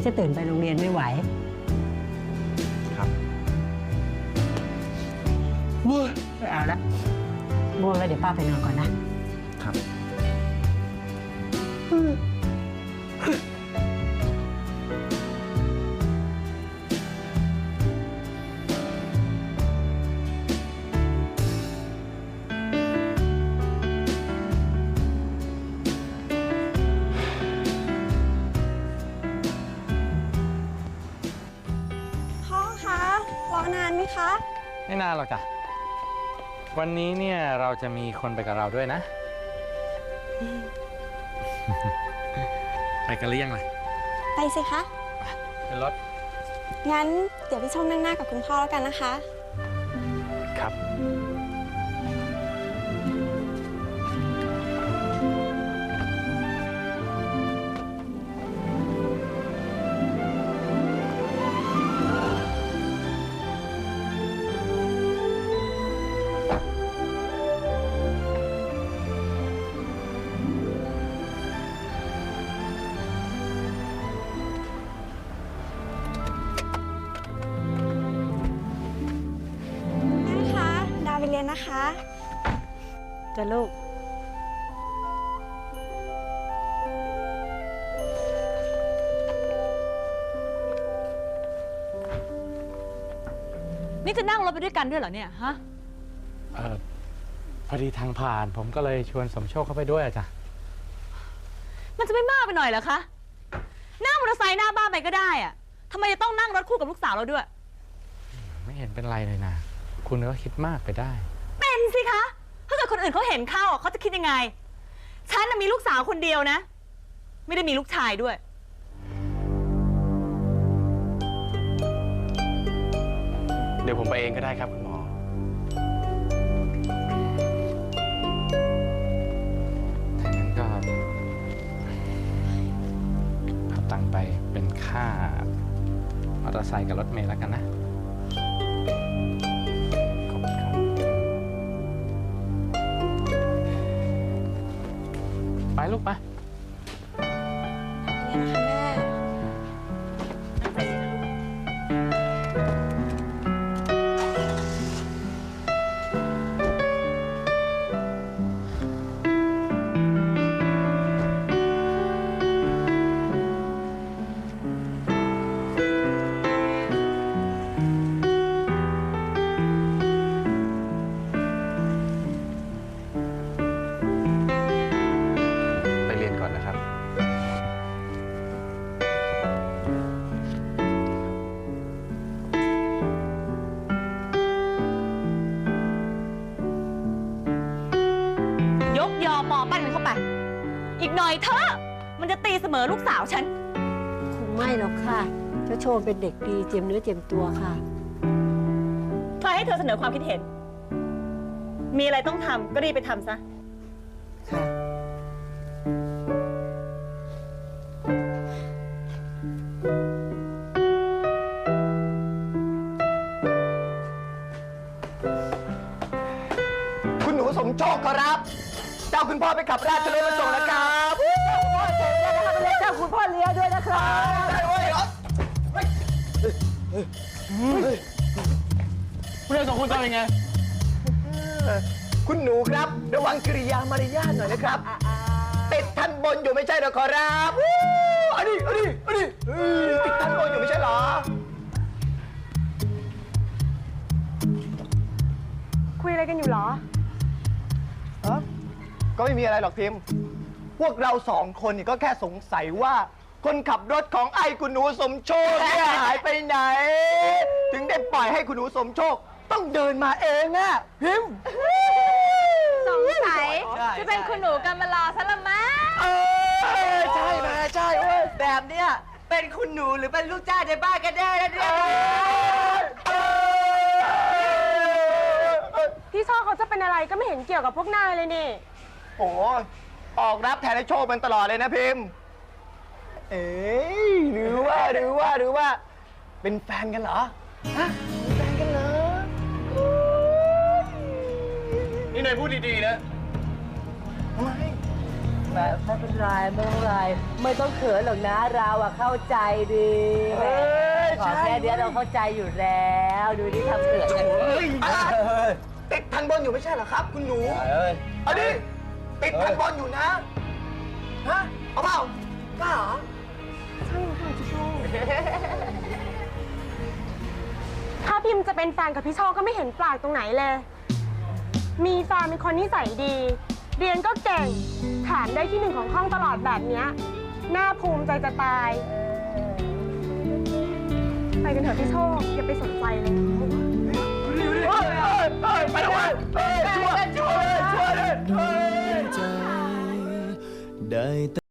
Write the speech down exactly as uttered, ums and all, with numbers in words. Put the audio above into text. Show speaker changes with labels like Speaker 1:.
Speaker 1: จะตื่นไปโรงเรียนไม่ไหว
Speaker 2: ครับ
Speaker 1: ง่วงเอาละง่วงแล้วเดี๋ยวป้าไปนอนก่อนนะครับ
Speaker 3: รอนานไหมคะ
Speaker 2: ไม่นานหรอกจ้ะวันนี้เนี่ยเราจะมีคนไปกับเราด้วยนะ ไปกันหรือยังล่ะ
Speaker 3: ไปสิคะ
Speaker 2: เป็นรถ
Speaker 3: งั้นเดี๋ยวพี่ชมนั่งหน้ากับคุณพ่อแล้วกันนะคะ
Speaker 2: ครับ
Speaker 3: เรียนนะคะ
Speaker 1: จ้ะลูก
Speaker 4: นี่จะนั่งรถไปด้วยกันด้วยเหรอเนี่ยฮะ
Speaker 2: เออพอดีทางผ่านผมก็เลยชวนสมโชคเข้าไปด้วยอะจ้ะ
Speaker 4: มันจะไม่มากไปหน่อยเหรอคะนั่งมอเตอร์ไซค์หน้าบ้านไปก็ได้อะทำไมจะต้องนั่งรถคู่กับลูกสาวเราด้วย
Speaker 2: ไม่เห็นเป็นไรเลยนะคุณก็คิดมากไปได้
Speaker 4: เป็นสิคะถ้าเกิดคนอื่นเขาเห็นเข้าเขาจะคิดยังไงฉันมีลูกสาวคนเดียวนะไม่ได้มีลูกชายด้วย
Speaker 2: เดี๋ยวผมไปเองก็ได้ครับคุณหมอถ้างั้นก็เอาตังค์ไปเป็นค่ามอเตอร์ไซค์กับรถเมล์แล้วกันนะไปลูกไป
Speaker 3: นี่นะคะแม่
Speaker 4: ยอมมอปั้นมันเข้าไปอีกหน่อยเถอะมันจะตีเสมอลูกสาวฉัน
Speaker 1: คงไม่หรอกค่ะเจ้าโชว์เป็นเด็กดีเจียมเนื้อเจียมตัวค่ะ
Speaker 4: ใครให้เธอเสนอความคิดเห็นมีอะไรต้องทำก็รีบไปทำซะ
Speaker 1: ค่ะ
Speaker 5: คุณหนูสมโชคครับเจ้าคุณพ่อไปขับราชรถมาส่งนะครับพ่อเจ๋งเลยนะครับเจ้าคุณพ่อเลี้ยด้วยนะครับได้เว้ยเหรอ
Speaker 2: เรื่องของคุณทำยังไง
Speaker 5: คุณหนูครับระวังกิริยามารยาทหน่อยนะครับติดทันบนอยู่ไม่ใช่หรอครับอันนี้อันนี้อันนี้ติดทันบนอยู่ไม่ใช่หรอ
Speaker 3: คุยอะไรกันอยู่หรอ
Speaker 5: ฮะก็ไม่มีอะไรหรอกพิมพ์พวกเราสองคนนี่ก็แค่สงสัยว่าคนขับรถของไอ้คุณหนูสมโชคเนี่ยหายไปไหนถึงได้ปล่อยให้คุณหนูสมโชคต้องเดินมาเองอะพิมพ์
Speaker 3: สงสัยจะเป็นคุณหนูกันมารอซะละมั้ง
Speaker 5: เออใช่ไหมใช่เว้ยแบบเนี้ยเป็นคุณหนูหรือเป็นลูกจ้างในบ้านกันแน่เนี่ย
Speaker 3: พี่โชคเขาจะเป็นอะไรก็ไม่เห็นเกี่ยวกับพวกนายเลยนี่
Speaker 5: โอ้ออกรับแทนไอ้โชคมันตลอดเลยนะพิมพ์เอ๊ะหรือว่าหรือว่าหรือว่าเป็นแฟนกันเหรอฮะเป็นแฟนกันเหรอ
Speaker 2: นี่นายพูดดีๆนะ
Speaker 5: ทำไม
Speaker 1: ไม่ไม่เป็นไรไม่เป็นไร ไม่ต้องเขินหรอกนะเราอะเข้าใจดีแหมขอแค่เนี้ยเราเข้าใจอยู่แล้ว ดูดิทำเขินกัน
Speaker 5: เฮ้ยติดทันบอลอยู่ไม่ใช่เหรอครับ คุณหนูเอาดิติดทันบอลอยู่นะ ฮะ เอาเปล่ากล้าเหรอ
Speaker 6: ถ้าพิมพ์จะเป็นแฟนกับพี่โชคก็ไม่เห็นแปลกตรงไหนเลย มีแฟนเป็นคนนิสัยดี เรียนก็เก่ง แถมได้ที่หนึ่งของห้องตลอดแบบเนี้ยน่าภูมิใจจะตาย ไปกันเถอะพี่โชค อย่าไปสนใจเลย
Speaker 5: ไปเลยช่วยช่วยเลยช่วยเลย
Speaker 7: ใจได้